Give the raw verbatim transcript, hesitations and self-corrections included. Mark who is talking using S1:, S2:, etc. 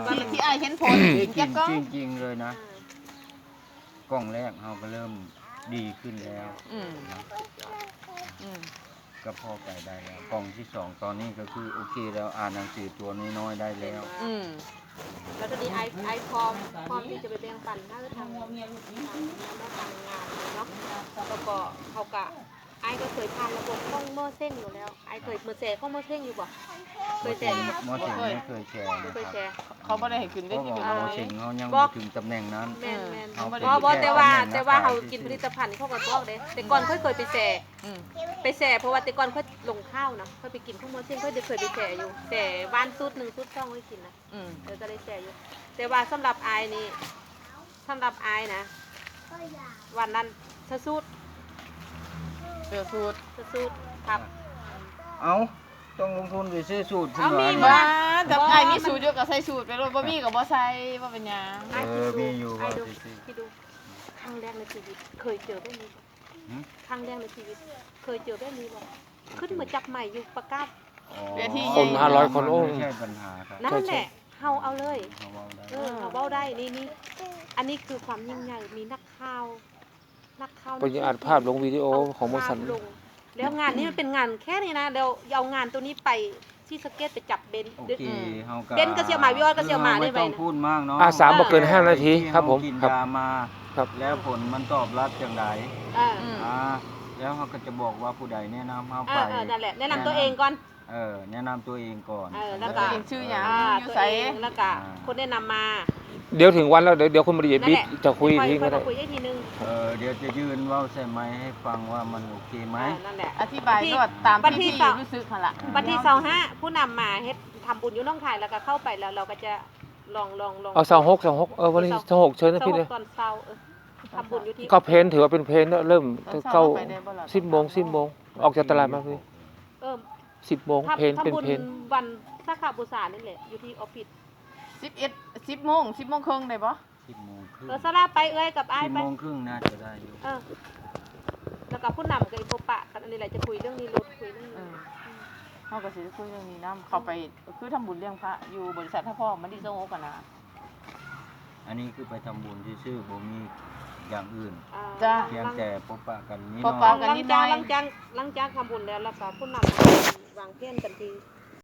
S1: ที่ที่ไอเห็นผล
S2: จริง
S1: จะก็
S2: จริงจริงเลยนะกล้องแรกเราก็เริ่มดีขึ้นแล้วนะก็พอไปได้แล้วกล้องที่สองตอนนี้ก็คือโอเคแล้วอ่านหนังสือตัวน้อยๆได้แล้ว
S3: แล้วตอนนี้ไอไอพร้อมพร้อมที่จะไปแบ่งปันถ้าจะทำทำทำทำงานเนาะแล้วก็เขากะไอก็เคยผ่านระบบข้องเมื่อเส้นอยู่แล้วไอเคยเมื่อแชร์ข้องเมื่อเส้นอยู่บ่เคยแชร์
S2: หมอเสียงไม่เคยแชร์นะ
S3: เคย
S2: ค
S3: แช
S2: รับ
S3: ร์
S1: เขาไม่ได้ให้ขึ้น
S2: เพ
S1: ได้
S2: ราะ
S1: ที่
S2: ว่า
S1: เป็น
S2: หมอ
S1: เลย
S2: เสียงเขายังไม่ถึงตำแหน่งนั้น
S3: แม่นแม่น
S2: เขาเป็น
S3: เพราะว่าแต่ว่า
S2: แค่
S3: แต่ว่า
S2: ตำแหน่
S3: เขา
S2: ง
S3: กินผ
S2: ขย
S3: ลิตภัณฑ์เขาก็บอกเด้แต่ก่อนเคยเคยไปแชร์ไปแชร์เพราะว่าแต่ก่อนเขาลงข้าวนะเขาไปกินข้าวมันเส้นเขาเคยไปแชร์อยู่แชร์บ้านซุดหนึ่งซุดช่องไว้กินนะเดี๋ยวจะได้แชร์อยู่แต่ว่าสำหรับไอนี่สำหรับไอนะวันนั้นสะสุด
S1: เดือดสูตร
S3: สะสุดครับ
S2: เอาต้องลงทุนไปซื้อสูตรขึ้น
S3: เอามี
S2: มา
S3: บ่
S1: บ้าแต่ไอมีสูตรเยอะกับใส่สูตรไปรถบ่มีกับบ่ใส่บ่เป็นหยัง
S3: ไอ้
S2: เอ
S3: คิด
S2: อ
S3: ดู
S2: มีอยู่
S3: ไอ้
S2: ว่า
S3: ดู
S2: สิ
S3: คิดดูครั้งแรกในชีวิตเคยเจอแบบนี้บ่
S2: หืม
S3: ครั้งแรกในชีวิตเคยเจอแบบนี้บ่ขึ้นมาจับใหม่อยู่ประกาศ
S2: อ๋อ
S4: คนห้าร้อยคนโอ้
S2: ไม่ใช่ปัญหาครับ
S3: นั่นแหละเฮาเอาเลย
S2: เขาเว้าได้
S3: เออเขาเว้าได้นี่นี่อันนี้คือความยิ่งใหญ่มีนักข่าวนักข่าว
S4: ไปอัดภาพลงวิดีโอของบริษัท
S3: ภาพลงแล้วงานนี้มันเป็นงานแค่นี้นะเดี๋ยวเอางานตัวนี้ไปที่สเก็ตไปจับเบนซ์
S2: โอเคเฮาก็
S3: เบนซ์ก็เชียร์หมาวิออสก็เชียร์หมาได้
S2: ไม่
S3: ไป
S2: ต้อง
S3: นะ
S2: พูดมากเนาะ
S4: อาสามบอกเกินห้านาทีครับผม
S2: กิน
S4: ครับ
S2: ยามา
S4: ครับ
S2: แล้วผลมันตอบรับอย่างไร
S3: อ่า
S2: อ่าแล้วเขาก็จะบอกว่าผู้ใดแนะนำเขา
S3: เอ
S2: ไป
S3: อเออนั่นแหละแนะนำตัวเองก่อน
S2: เออแนะนำตัวเองก่อน
S3: เออแล้
S1: แล้ว ว
S3: ก็
S1: ก็เองชื่อหยัง
S3: อ่า
S1: อยู่
S3: ตัว
S1: ใส่
S3: เองแล้วก็คนแนะนำมา
S4: เดี๋ยวถึงวันแล้วเดี๋ยวเดี๋ยวคุณบริเวณ
S3: นั่น
S4: บิ๊
S3: แห
S4: ก
S3: ละ
S4: จะคุย
S3: ค่อ
S4: ทิ้ง
S3: ค่
S4: ก็
S3: อย
S4: ได้
S3: มาคุยได้ทีนึง
S2: เออเดี๋ยวจะยืนเว่าใส่ไม้ให้ฟังว่ามันโอเคไหม
S3: เออนั่นแหละ
S1: อธิบายก็ตาม
S3: วันที่
S1: ที่พี่
S3: สอง
S1: รู้สึกหั่นล่ะ
S3: วันที่เสาร์ห้าผู้นำมาเฮ็ดทำบุญอยู่น้องคายแล้วก็เข้าไปแล้วเราก็จะลองลองลอง
S4: เอาสองหกสองหกเออวันนี้สองหกเชิญนะ
S3: เสา
S4: พี่
S3: ร์
S4: เลย
S3: ตอนเช้าเออทำบุญอยู่ที่
S4: ก็เพนถือว่าเป็นเพนเริ่ม
S1: ตอนเช้า
S4: เก้า
S1: ไปได้บ่ล่ะ
S4: สิบโมงสิบโมงออกจากตลาดมาพี่
S3: เออ
S4: สิบโมง
S3: ทำ
S4: เพนเป็น
S3: ทำบุญ
S4: เพน
S3: วันสักขาบูชานี่แหละอยู่ที่ออฟฟิศ
S1: สิบเอ็ด สิบโมงสิบโมงครึ่งได้บ่
S2: สิบโมงครึ่ง
S3: เออสลาไปเอ้ยกับอ้าย
S2: สิบ
S3: ไป
S2: โมงครึ่งน่าจะได้อยู่
S3: เออแล้วก็ผู้นำกับไอ้พบปะกันอันนี้แหละจะคุยเรื่องนี้รถคุยเรื่อง
S1: เอ
S3: นี้
S1: อเฮาก็สิคุยเรื่องนี้นํเข้าไปคือทำบุญเลี้ยงพระอยู่บริษัทท่าพ่อมันดีโซโอกันนะ
S2: อันนี้คือไปทำบุญที่ซื่อๆบ่มีอย่างอื่น
S3: อ่า
S1: จ้า
S2: เพียงแต่พบปะกันนิด
S1: พบ
S2: หน่
S1: ปะ
S2: อย
S1: กัน
S3: หลั
S1: นิ
S3: ง
S1: ดหน่
S3: จาก
S1: อย
S3: หลังจากหลังจากทำบุญแล้วแล้วก็ผู้นำวางเพี้ยนกันที่